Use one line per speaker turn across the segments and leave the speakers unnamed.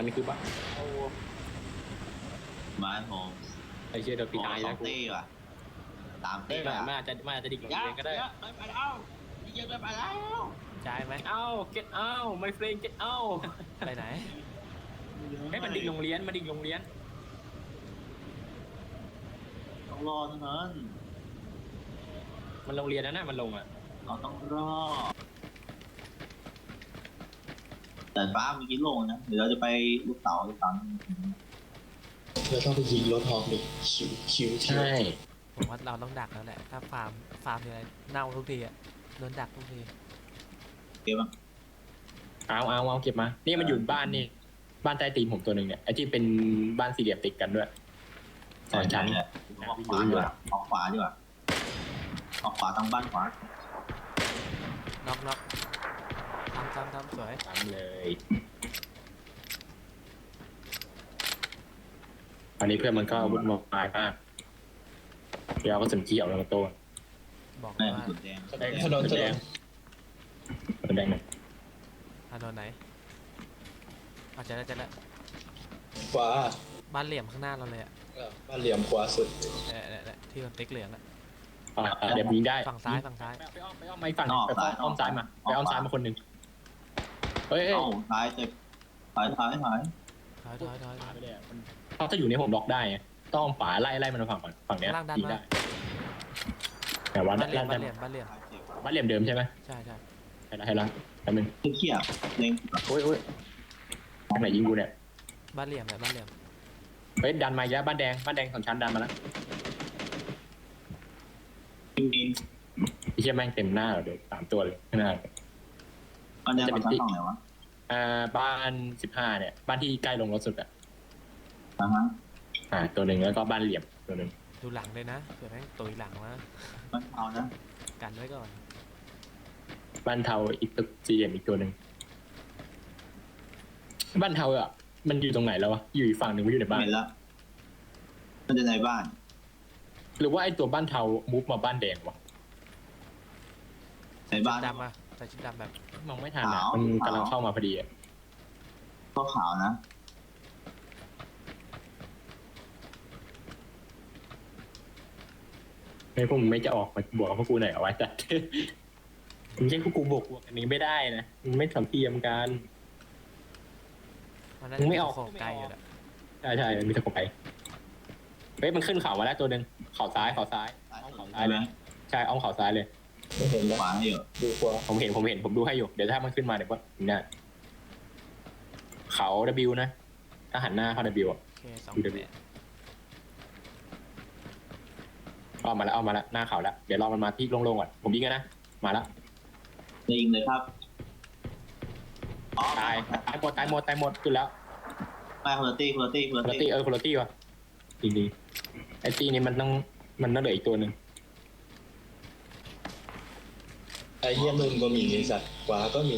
มันคือบ้านโอ้
บ้านผม
ไอเชี่ยเดี๋ยวปีตาย
สอ
แล้
ง
วกู
ตีว่ะสาม
เฮ้
ตี
ย
ว่ะ
มันอาจจะดิ่งลง
เยอะ
เองก็ได้
เยอะไปแล้วเยอะไปแล้ว
ใช่ไหม
เอ้า get out my friend get out
ไปไหน
ให้มันดิ่งโรงเรียนมันดิ่งโรงเรียน
ต้องรอเท่านั้น
มันโรงเรียนนะมันลงอ่ะ
เราต้องรอแต่ฟ้าเมื่อกี้โล่งนะเดี๋ยวเราจะไปลูกเต๋าเราต้องไปยิงรถฮอกดิคิว
ใช่
ผมว่าเราต้องดักแล้วแหละ ถ้าฟาร์มทีไรเน่าทุกทีอะโดนดักทุกที
เก็บมั้ง
เอาเก็บมานี่มันอยู่บ้านนี่บ้านใต้ตีนผมตัวหนึ่งเนี่ยไอ้ที่เป็นบ้านสี่เหลี่ยมติดกันด้วยสองชั้น
เนี่ยออกขวาดีกว่าออกขวาดีกว่าออกขวาทางบ้านขวา
น็อกทำสวย
ทำเลยอันนี้เพื่อนมันก็วุ่นวายมากเดี๋ยวก็สนเกี่ยวแล้วตัว
บอก
แม่
ว่า
สุดแดง
ถนนแดงหน่อย
ถนนไหนอาจจะได้
ขวา
บ้านเหลี่ยมข้างหน้าเราเลยอะ
บ้านเหลี่ยมขวาสุด
เนี่ยที่มันติ๊กเหลืองอะ
เดี๋ยวยิงได้
ฝั่งซ้าย
ไปอ้อมไม่ฝั่งไปอ้อมซ้ายมาไปอ้อมซ้ายมาคนหนึ่งเฮ้ย
เอ้าท้ายเจ็บถอย
ถอย
ขวาไปเลยเขาจะอยู่ในผมล็อกได้ต้องฝาไล่มันมาฝั่งเนี้ยยิงได้แต่ว่า
บ้านเหลี่ยม
บ้านเหลี่ยมเดิมใช่ไหม
ใช่
ให้ละแป๊บนึง
เขี้ยเล็ง
โอ้ยทางไหนยิงกูเนี่ย
บ้านเหลี่ยมเนี่ยบ้านเหลี่ยม
เฮ้ยดันมาอีกแล้วบ้านแดงสองชั้นดันมาแล้ว
มี
ไอ้เชี่ยแม่งเต็มหน้าเลย3 ตัวเลยหน้า
อันนี้มันชั้นสองไหนวะ
บ้าน15เนี่ยบ้านที่ใกล้ลงรถสุดอ่ะ
ฮะ
ตัวหนึ่งแล้วก็บ้านเหลี่ยมตัวหนึ่ง
ดูหลังเลยนะเผื่อแม่งตุยหลังมา
มันเอานะ
กันไว้ก่อน
บ้านเทาอีกตึกสี่เหลี่ยมอีกตัวหนึ่งบ้านเทาอ่ะมันอยู่ตรงไหนแล้ววะอยู่อีกฝั่งหนึ่งไม่อยู่ในบ้าน
เห็นแล้วมันจะในบ้าน
หรือว่าไอ้ตัวบ้านเทามูฟมาบ้านแดงวะ
ในบ้าน
ดำอะใส่ชุดดำแบบ
มองไม่ทันอ่ะมันกำลังเข้ามาพอดีอ่ะ
ก็ขาวนะ
ไม่พวกมึงไม่จะออกมาบวกกับพวกกูหน่อยเอาไว้จัด มึงใช่พวกกูบวกอันนี้ไม่ได้นะมึงไม่สัมเทียมกัน
มันน่า
มึ
จะ
งไม่ออก
โขกไกลอยู่อะ
ใช่มีตะกบไปเฮ้ยมันขึ้นเขามาแล้วตัวหนึ่งเขาซ้ายอ้อมเขาซ้ายเลยใช่อ้อมเขาซ้ายเลย
ไม่เห็นแล้ว
ขวาให้อยู่
ดูขวา
ผมเห็นผมดูให้อยู่เดี๋ยวถ้ามันขึ้นมาเดี๋ยวก็ถึงได้เขา W นะถ้าหันหน้าเข้า W อ่ะ
โอเค2
ดู W อ้อมมาแล้วหน้าเขาแล้วเดี๋ยวรอมันมาที่โล่งๆก่อนผมยิงกันนะมาแล้ว
ยิงเลยครับ
ตายหมดขึ้นแล้ว
ไม่คุณตี้
คุณตี้คนละตี้วะจริงๆไอ้ตี้นี้มันต้องเหลืออีกตัวหนึ่ง
ไอ้เหี้ยมึงก็มีไอ้สัตว์ขวาก็มี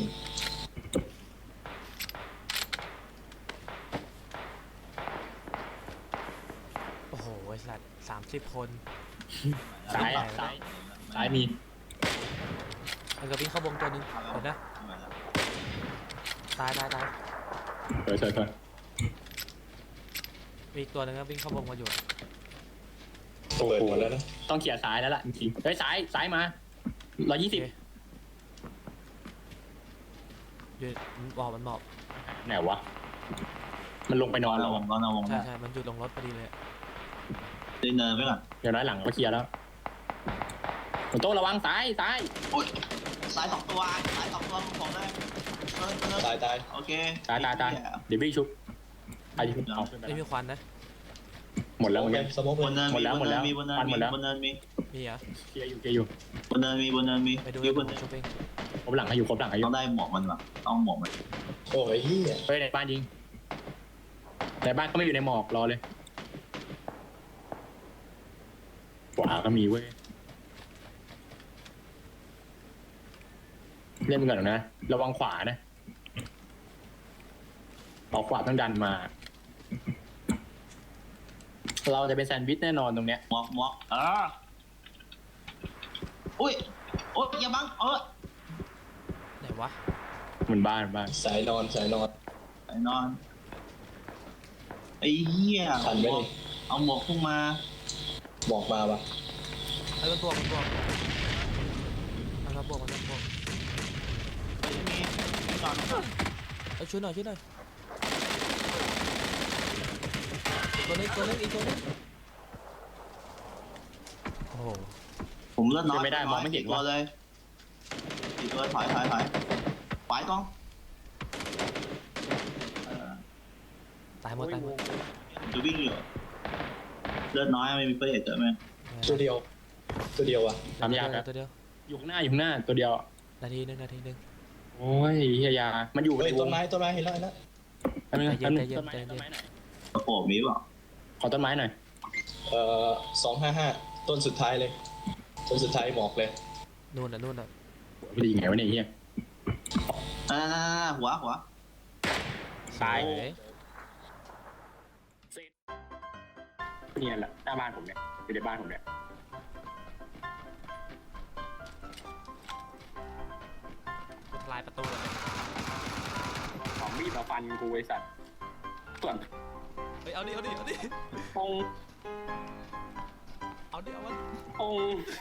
โอ้โหไอ้สัตว์30 คน
ซ้ายมี
มันก็วิ่งเข้าวงตัวนึงเห็นนะตาย
เฉย
มีอีกตัวนึงก็วิ่งเข้าวงมาอยู่
โอ้
เปิด
โห
หมดแล้วนะ
ต้องเขี่ยซ้ายแล้วล่ะจริงๆเฮ้ยซ้ายมา120
อยู่มันหมอบ
ไหนวะมันลงไปนอนแล้ว
ก็นอนวง
ใช่มันหยุดลงรถพอดีเลย
ตีเนินไปก่อน
เดี๋ยวน้อยหลังก็เคลียร์แล้วโต้ระวังซ้าย
อุ้ยสาย2 ตัวของได้
ตาย
โอเค
ตายเดี๋ยวพี่ชุบไอ้ชุบเอา
ไม่มีควันนะ
หมดแล้วเหมือนกัน
สมอง
บนเนิน
หมดแล้ว
บนเนินมีบนเนินมี
มีเหรอ
เคลียร์อยู่
บนเนินมี
ไปดู
อยู่บ
ผ
น
ม
เนิน
ชุบเอง
ครบหลังให้อยู่
ต้องได้หมวกมันว่ะต้องหมวกมัน
โอ้ยเหี้ย
เฮ้ยในบ้านยิงในบ้านก็ไม่อยู่ในหมอกรอเลยขวาก็มีเว้ยเล่นมันก่อนนะระวังขวานะเอาขวาต้องดันมา เราจะเป็นแซนด์วิชแน่นอนตรงเนี้ย
หมวกอุ้ยอย่าบัง
ไหนวะ
มันบ้าน
สายนอน
ไอ้นอนไอ้เหี้ย
ทันไหมนี่
เอาหมวกพุ่งมา
บอกมาปะ
ไอ้มันบวกมันบวกมันมาบวกมันมาบวก
มีจอด
เอ้ยช่วยหน่อยช่วยหน่อยตัวนึงอีกตัวนึงโอ้โห
ผมเลือดน้อย
ไม่ได้มองไม่เห็น
ตัว
ว่ะ
เลยอีกตัวถอยไปกอง
ตายหมดตายหมด
จะวิ่งอยู่เลือดน้อยไม่มีเฟรเจอไหม
ตัวเดียวอ่ะ
ทำยากครับ
ตัวเดียว
อยู่ข้างหน้าตัวเดียว
นาทีหนึง
โอ้ยเฮียยามันอยู่
เฮ้
ใน
ยว ต้
ง
นไม้เห็นแล้วเห็นแล้ว
ต้นไม้
ใจเย็น
ต้นไม้
ใจเย็น
ต้นไม้หน่อย
กระโปรงมีเปล่า
ขอต้นไม้หน่อย
255ต้นสุดท้ายเลยต้นสุดท้ายหมอกเลย
นู่นน่ะ
ไม่ดีไงวะเนี่ยเฮีย
หัว
ตาย
สวย
เนี่ยแหละหน้าบ้านผมเนี่ยอยู่ในบ้านผมเนี่ย
ทลายประตูเลย
ของมีดมาฟันกูไอ้สัตว์ส่วน
เฮ้ยเอาดิ
ปง
เอาดิเอามัน
ปง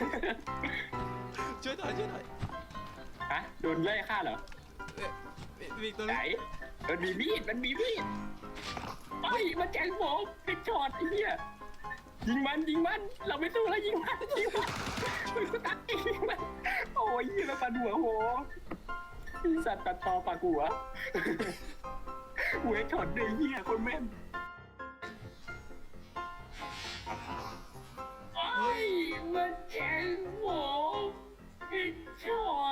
ช่วยหน่อย
ฮะโดนไล่ฆ่าเหรอ
มีตัว
ไหน
นึง
มันมีมีดเอ้ยมันแจงผมเป็นช็อตไอ้เหี้ยยิงมันเราไม่สู้แล้วยิงมันมันตัดยิงมันโอ้ยยิงมาปันหัวโหสัตว์ตัดต่อปากหัวหัวช็อตเลยเหี้ยคนแม่นโอ้ยมันแจงผมเป็นช็อต